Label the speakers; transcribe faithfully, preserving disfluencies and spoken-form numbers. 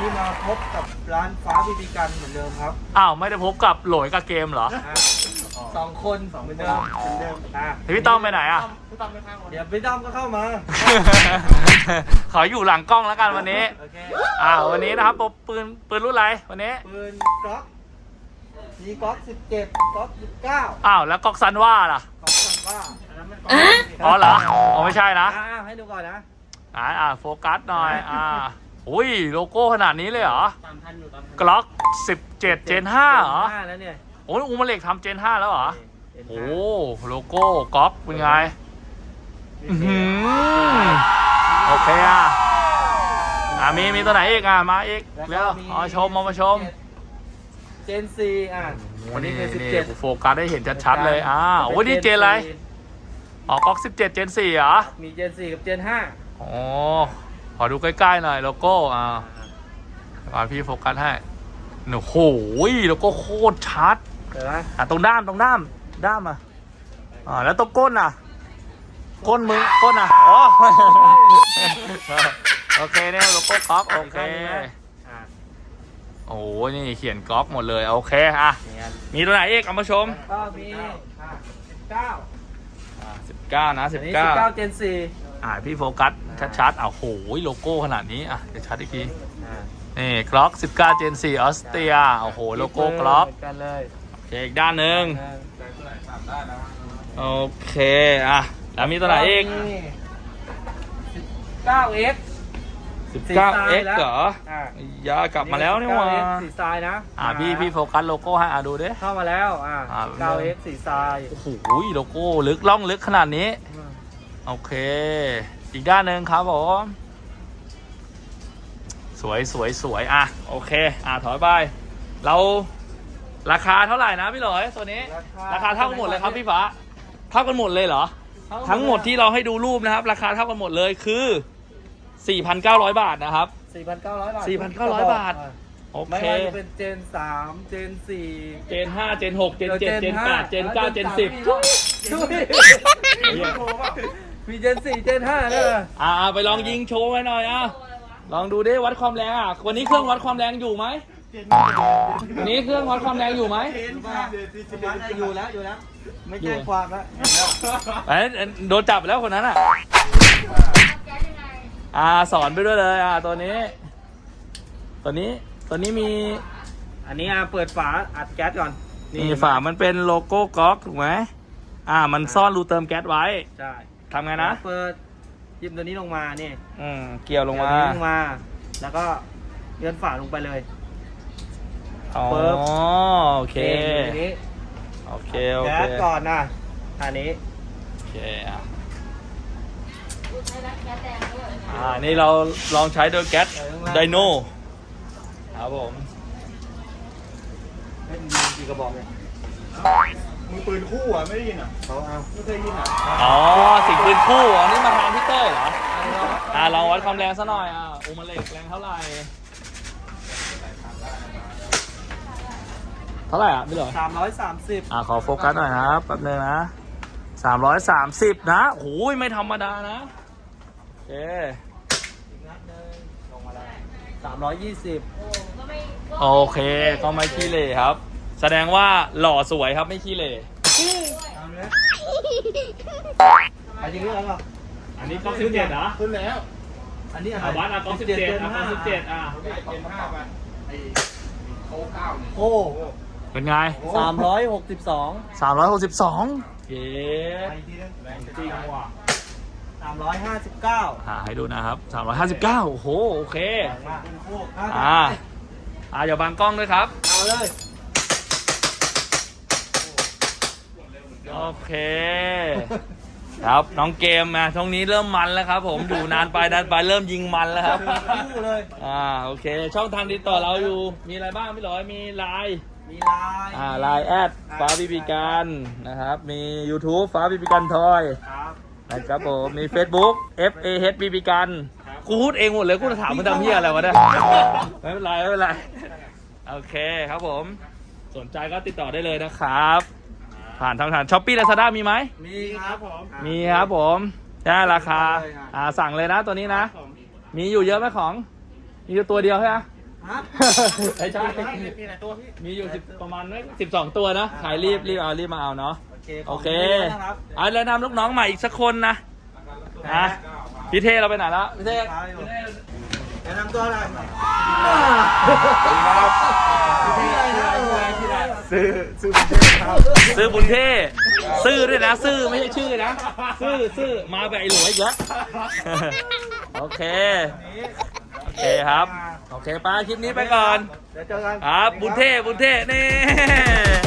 Speaker 1: นี้มาพบกับร้านฟ้าบีบีกันเหมือนเดิมครับ
Speaker 2: อ้าวไม่ได้พบกับโหลยกับเกมเหรอ
Speaker 1: สองคนเหมือนเดิมเหมือนเดิมอ่ะ
Speaker 2: พี่ต้อมไปไหนอ่ะ
Speaker 1: เดี๋ยวพี่ต้อมก็เข้ามา
Speaker 2: ขออยู่หลังกล้องแล้วกันวันนี้
Speaker 1: โอเค
Speaker 2: อ่าวันนี้นะครับปืนปืนรุ่นอะไรวันนี้
Speaker 1: ปืนกล็อกมีกล็อกสิบเจ็ดกล็อกสิบเก้า
Speaker 2: อ้าวแล้วก๊อกซันว่าล่ะ
Speaker 1: ของซันว่าอันนั้นมันกล็อก
Speaker 2: อ๋อเหรออ๋อไม่ใช่นะ
Speaker 1: อ่าให้ดูก่อนนะ
Speaker 2: อ่าอ่าโฟกัสหน่อยอ่าอุ้ยโลโก้ขนาดนี้เลยเหรอ
Speaker 1: ตามทันอยู่ตามทัน
Speaker 2: กล็อกสิบเจ็ดเจนห้าเหรอ
Speaker 1: ห้าแล้วเนี่ย
Speaker 2: โอ้ยอูมาเล็กทำเจนห้าแล้วเหรอ
Speaker 1: เอ็น
Speaker 2: โอ้
Speaker 1: ห้า
Speaker 2: โลโก้ก๊อกเป็นไงอื้อหือโอเคอ่ะอ่ามีมีตัวไหนอีกอ่ะมาอีกเร็วเอามาชมเอามาชม
Speaker 1: เจนซีอ่ะ
Speaker 2: วันนี้
Speaker 1: คือสิบ
Speaker 2: นี่
Speaker 1: เจ็ด
Speaker 2: โฟกัสได้เห็นชัดๆเลยอ่าโอ้ยนี่เจนอะไรอ๋อก๊อกสิบเจ็ดเจนสี่เหรอ
Speaker 1: มีเจนสี่กับเจนห้า
Speaker 2: อ๋อขอดูใกล้ๆหน่อยโลโก้อ่ามาพี่โฟกัสให้โอ้โหโลโก้โคตรชัด
Speaker 1: เห็นไหม
Speaker 2: อ่ะตรงด้ามตรงด้ามด้ามอ่ะอ่าแล้วตรงก้นอ่ะก้นมึงก้นอ่ะอ๋อ โอเคเนี่ยโลโก้ก๊อกโอเค
Speaker 1: อ่า
Speaker 2: โอ้ยนี่เขียนก๊อกหมดเลยโอเคอ่ะ
Speaker 1: เนี่ย
Speaker 2: มีตัวไหนอีกเอามาชม
Speaker 1: ก็มีสิบเก้า
Speaker 2: อ่าสิบเก้านะสิ
Speaker 1: อั
Speaker 2: บ
Speaker 1: นนี้
Speaker 2: เก้า
Speaker 1: สิบเก้าเจนสี่
Speaker 2: อ่าพี่โฟกัสชัดๆอ้าวโหโลโก้ขนาดนี้อ่ะเดี๋ยวชัดอีกที
Speaker 1: อ่า
Speaker 2: นี่กล็อกสิบเก้าเจนสี่ออสเตรียโอ้โหโลโก้กล็อก
Speaker 1: เหมือนกันเลย
Speaker 2: โอเคอีกด้านหนึ่งโอเคอ่ะแล้วมีตัวไหนอีก
Speaker 1: สิบเก้าเอ็กซ์
Speaker 2: สิบเก้าเอ็กซ์เหรอ
Speaker 1: อ่า
Speaker 2: ยากลับมาแล้วนี่หว่า
Speaker 1: สิบเก้าเอ็กซ์สีทรายนะ
Speaker 2: อ่าพี่พี่โฟกัสโลโก้ให้อ่ะดูดิ
Speaker 1: เข้ามาแล้วอ่า
Speaker 2: อ่า
Speaker 1: สิบเก้าเอ็กซ์สีทราย
Speaker 2: โอ้โหโลโก้ลึกล่องลึกขนาดนี้โอเคอีกด้านหนึ่งครับผมสวยสวยสวยอ่ะโอเคอ่ะถอยไปเราราคาเท่าไหร่นะพี่หลอยตัวนี้ราคาเท่ากันหมดเลยครับพี่ฟ้าเท่ากันหมดเลยเหรอทั้งหมดที่เราให้ดูรูปนะครับ ราคาเท่ากันหมดเลยคือ สี่พันเก้าร้อย บาทนะครับ
Speaker 1: สี่พันเก้าร้อยบาท
Speaker 2: สี่พันเก้าร้อย บาท โอ
Speaker 1: ไม่
Speaker 2: เค
Speaker 1: ว่าจะเป็นเจนสามเจนสี่
Speaker 2: เจนห้าเจนหกเจนเจ็ดเจนแปดเจนเก้าเจนสิบ
Speaker 1: มีเจนสี่เจนห้าด้วย
Speaker 2: อ่าไปลองยิงโชว์ไว้หน่อยอ่ะลองดูดิวัดความแรงอ่ะวันนี้เครื่องวัดความแรงอยู่ไหมวันนี้เครื่องวัดความแรงอยู่ไหม
Speaker 1: อยู่แล้วอยู่แล้ว ไม่แจ้งความแล้ว
Speaker 2: ไอ้โดนจับไปแล้วคนนั้นอ่ะอ่าสอนไปด้วยเลยอ่าตัวนี้ ตัวนี้ตัวนี้มี
Speaker 1: อันนี้อ่ะเปิดฝาอัดแก๊สก่อน
Speaker 2: นี่ฝามันเป็นโลโก้ก๊อกถูกไหมอ่ามันซ่อนรูเติมแก๊สไว้
Speaker 1: ใช่
Speaker 2: ทำไงนะ
Speaker 1: เปิดยิบตัวนี้ลงมานี่
Speaker 2: อืมเกี่ยวลงมา
Speaker 1: เดี๋ยวนี้ลงมา แล้วก็เลื่อนฝาลงไปเลย
Speaker 2: อ๋อ
Speaker 1: ปึ๊บ
Speaker 2: โอเค
Speaker 1: นี่ทีนี้
Speaker 2: โอเคโอ
Speaker 1: แก๊
Speaker 2: เค
Speaker 1: สก่อนนะอันนี้
Speaker 2: โอเคอ่ะอ่านี่เราลองใช้โดยแก๊สไดโนครับผม
Speaker 1: เป็นยิงกี่กระบอกเนี่ย
Speaker 3: มือปืนคู่อ่ะ ไม่ได้ยินอ่ะ
Speaker 1: เขาเอา
Speaker 3: ไม่เคยยินอ่ะ
Speaker 2: อ๋อสิ่งปืนคู่อันนี้มาทางพี่เต้ยเหรออ่าลองวัดความแรงซะหน่อยอ่ะอูมาเล็กแรงเท่าไหร่เท่าไหร่อ่ะพี่หลอย
Speaker 1: สามร้อยสามสิบ
Speaker 2: อ่าขอโฟกัสหน่อยนะครับแป๊บนึงนะสามร้อยสามสิบนะโอ้ยไม่ธรรมดานะโอเค
Speaker 1: อีกนัดหนึงลงมาแล้วสามร้อยยี่สิบ
Speaker 2: โอเคก็ไม่ขี้เหร่ครับ แสดงว่าหล่อสวยครับไม่ขี้เหร่
Speaker 1: เอาเนี้ยอันนี้เรื่องอะไร
Speaker 2: อันนี้ก๊อกสิบเจ็ดเหรอ
Speaker 3: ขึ้นแล้ว
Speaker 1: อันนี้อะไร
Speaker 2: อ่าวัดอ่ะก๊อกสิบเจ็ดอ่ะก๊อกสิบเจ็ดอ่ะ
Speaker 3: เจนห้าไปไอ้โค้เก้าเนี่ย
Speaker 1: โอ้
Speaker 2: เป็นไง
Speaker 1: สามร้อยหกสิบสอง
Speaker 2: สามร้อยหกสิบสองเย้
Speaker 1: ไปทีนึง
Speaker 3: แรง
Speaker 2: จริงว่ะ
Speaker 1: สามร้อยห้าสิบเก้า
Speaker 2: อ่าให้ดูนะครับสามร้อยห้าสิบเก้าโอ้โหโอเค
Speaker 1: แรงมากเป็นคู่
Speaker 2: อ่าอ่าอย่าบังกล้องด้วยครับ
Speaker 1: เอาเลย
Speaker 2: โอเค ครับน้องเกมอ่ะช่วงนี้เริ่มมันแล้วครับ ผมอยู่นานไปนานไปเริ่มยิงมันแล้วครับ
Speaker 1: คู่เลย
Speaker 2: อ่าโอเค ช่องทางติดต่อเราอยู่มีอะไรบ้างพี่หลอยมีไลน์
Speaker 1: มีลาย
Speaker 2: อ่าไลน์แอดฟ้าบีบีกันนะครับมี YouTube ฟ้าบีบีกันทอย
Speaker 1: ครับ
Speaker 2: นะครับผมมี Facebook F A H บีบีกันกูพูดเองหมดเลยกูจะถามมึงทำเพี้ยอะไรวะเนี่ยไม่เป็นไรไม่เป็นไรโอเคครับผมสนใจก็ติดต่อได้เลยนะครับ ผ่านทางฐานช้อปปี้ลาซาด้ามีไหม
Speaker 1: มีครับผม
Speaker 2: มีครับผมได้ราคาอ่าสั่งเลยนะตัวนี้นะ มีอยู่เยอะไหมของ มีอยู่ตัวเดียวใช่ไหม
Speaker 1: คฮะ
Speaker 2: ไม่ใช่
Speaker 1: มีหลายตัวพี่
Speaker 2: มีอยู่สิบประมาณสิบสองตัวนะขายรีบรีบเอารีบมาเอาเนาะ
Speaker 1: โอเค
Speaker 2: โอเค
Speaker 1: ขบณนะครับ
Speaker 2: เอาแล้วนำลูกน้องใหม่อีกสักคนนะนะพี่เท่เราไปไหนแล้วพี่เท่
Speaker 1: แนะนำตัวหน่อย
Speaker 3: ที่ไรนะ
Speaker 1: ที่ไร
Speaker 3: ซื้อซื้อบุญเทพครับ
Speaker 2: ซื้อบุญเท่ซื้อด้วยนะ ซื้อไม่ใช่ชื่อนะ ซื้อซื้อมาแบบไอ้หลวยอีกแล้ว โอเค โอเคครับ โอเคไปคลิปนี้ไปก่อน
Speaker 1: เดี๋ยวเจอกัน
Speaker 2: ครับ บุญเท่บุญเท่นี่